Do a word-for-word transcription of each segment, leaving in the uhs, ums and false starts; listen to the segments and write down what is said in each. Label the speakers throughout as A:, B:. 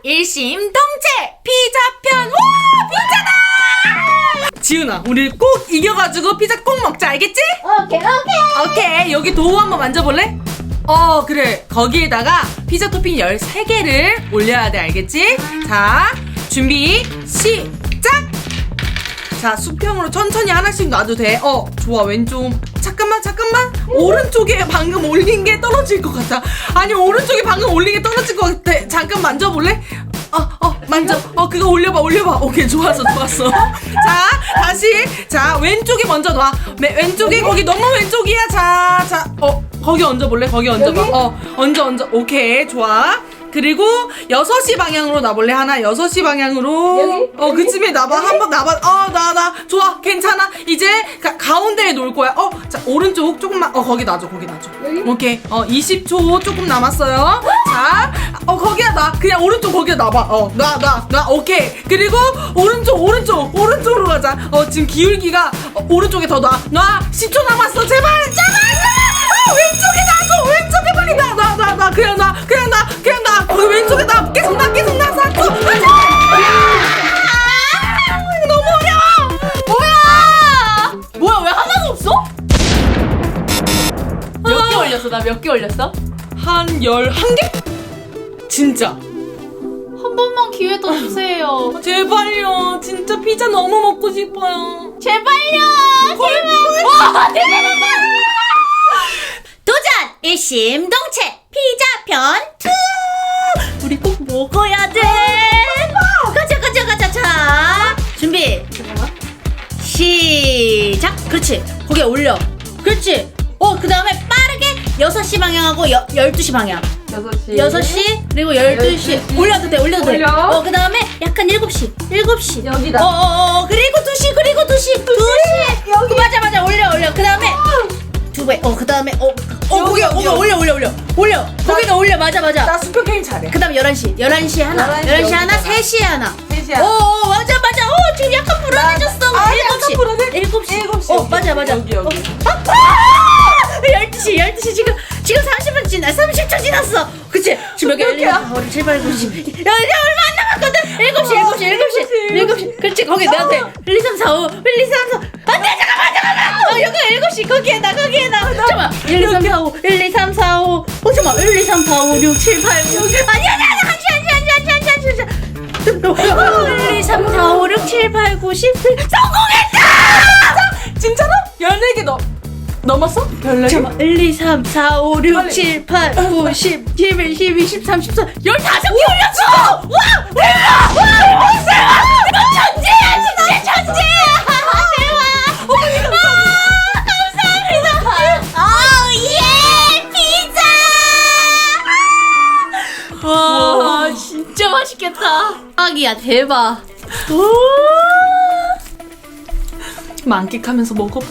A: 일심동체 피자편. 와, 피자다! 지훈아, 우리 꼭 이겨가지고 피자 꼭 먹자, 알겠지?
B: 오케이 오케이.
A: 오케이. 여기 도우 한번 만져볼래? 어, 그래. 거기에다가 피자 토핑 열세 개를 올려야 돼, 알겠지? 자, 준비 시작! 자, 수평으로 천천히 하나씩 놔도 돼. 어, 좋아. 왼쪽. 잠깐만, 잠깐만. 오른쪽에 방금 올린 게 떨어질 것 같아. 아니, 오른쪽에 방금 올린 게 떨어질 것 같아. 잠깐 만져볼래? 어, 어, 만져. 어, 그거 올려봐, 올려봐. 오케이, 좋았어, 좋았어. 자, 다시. 자, 왼쪽에 먼저 놔. 매, 왼쪽에, 거기 너무 왼쪽이야. 자, 자, 어, 거기 얹어볼래? 거기 얹어봐.
B: 여기?
A: 어, 얹어, 얹어. 오케이, 좋아. 그리고 여섯 시 방향으로 놔볼래? 하나, 여섯 시 방향으로.
B: 여기?
A: 어, 그쯤에 놔봐. 한번 놔봐. 어, 나, 나. 좋아. 괜찮아. 이제 가, 가운데에 놓을 거야. 어, 자, 오른쪽 조금만. 어, 거기 놔줘. 거기 놔줘.
B: 여기?
A: 오케이. 어, 이십 초 조금 남았어요. 자, 어, 거기다 놔. 그냥 오른쪽 거기다 놔봐. 어, 놔, 놔, 놔. 오케이. 그리고 오른쪽, 오른쪽, 오른쪽으로 가자. 어, 지금 기울기가 어, 오른쪽에 더 놔. 놔. 십 초 남았어. 제발, 제발, 제발. 어, 왼쪽에 놔줘. 왼쪽에 빨리 놔, 놔, 놔, 놔. 그냥 놔, 그냥 놔, 그냥 놔. 거기 왼쪽에 놔. 계속 놔, 계속 놔. 사 초. 너무 어려워.
B: 뭐야? 뭐야 왜 하나도 없어? 몇 개 올렸어? 나 몇 개 올렸어?
A: 한 열한 개? 진짜.
B: 한 번만 기회 더 주세요.
A: 제발요. 진짜 피자 너무 먹고 싶어요.
B: 제발요. 제발. 와 대단하다.
C: 도전! 일심동체 피자편 투! 우리 꼭 먹어야 돼! 가자 가자 가자. 자 준비
B: 잠깐만.
C: 시작. 그렇지. 거기에 올려. 그렇지. 어, 그 다음에 빠르게 여섯 시 방향하고 여, 열두 시 방향.
B: 여섯 시.
C: 여섯 시 그리고 열두 시
B: 열두 시.
C: 올려도 돼. 올려도 돼.
B: 올려.
C: 어, 그 다음에 약간 일곱 시 일곱 시
B: 여기다.
C: 어어어 그리고 두 시 그리고 두 시 두 시
B: 여기.
C: 맞아 맞아. 올려 올려. 그 다음에 두 배. 어, 그 다음에 어, 어
A: 여기,
C: 거기
A: 여기,
C: 어, 올려 올려 올려 올려. 거기다 올려. 맞아 맞아.
A: 나 수표 게임 잘해.
C: 그 다음 열한 시 열한 시 하나
B: 열한 시
C: 열한 시 하나
B: 여기다가.
C: 세 시에 하나
A: 세 시야.
C: 어, 어 맞아 맞아. 어, 지금 약간 불안해졌어.
A: 아,
C: 일곱 시
A: 약간 불안해?
C: 일곱 시
A: 일곱 시.
C: 어,
A: 여기,
C: 맞아 맞아.
A: 여기, 여기.
C: 어. 아, 아! 열두 시 열두 시 지금 지금 삼십 분 지나 삼십 초 지났어. 그치? 지금 여기
A: 몇 개야?
C: 일, 칠, 팔, 구, 십. 야, 이제 얼마 안 남았거든. 일곱 시 일곱 시 일곱 시 일곱 시 그렇지. 거기 내한테 일, 이, 삼, 사, 오 일, 이, 삼, 사 안돼. 잠깐만 잠깐만. 어, 여기 일곱 시 거기에 나 거기에 나 잠깐만. 일, 이, 삼, 사, 오 일, 이, 삼, 사, 오 어, 잠깐만. 일, 이, 삼, 사, 오, 육, 칠, 팔, 구 아니 아니 아니 한시 한시 한시 한시 한시 한시 한시 일, 이, 삼, 사, 오, 육, 칠, 팔, 구, 십 성공했다.
A: 진짜로? 열네 개 넘, 넘었어? 열네 개?
C: 잠깐만. 일, 이, 삼, 사, 오, 육,
A: 빨리.
C: 칠, 팔, 구, 십, 십일, 십이, 십삼, 십사 열다섯 개 올렸어. 와! 대박! 와! 대박! 너 천재야! 진짜 천재야! 대박! 어머니 감사합니다. 오, 예! 피자!
B: 와 진짜 맛있겠다.
C: 아기야 대박.
A: 만끽하면서 먹어봐.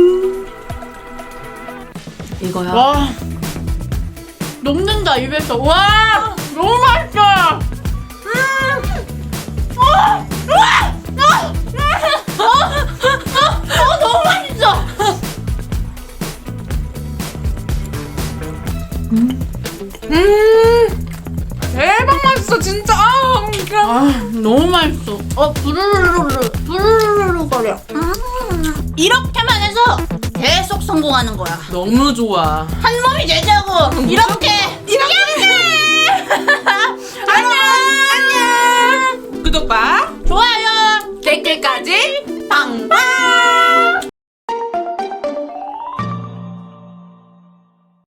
A: 이거야.
B: 와 녹는다 입에서. 와 너무 맛있어. 어 너무 맛있어.
A: 음, 대박 맛있어 진짜. 아, 그냥.
B: 아 너무 맛있어. 어 부르르르르 부르르르 거려.
C: 이렇게만 해서 계속 성공하는 거야.
A: 너무 좋아.
C: 한 몸이 되자고. 이렇게.
A: 이렇게.
C: 안녕.
A: 안녕. 구독과
C: 좋아요.
A: 댓글까지 빵빵.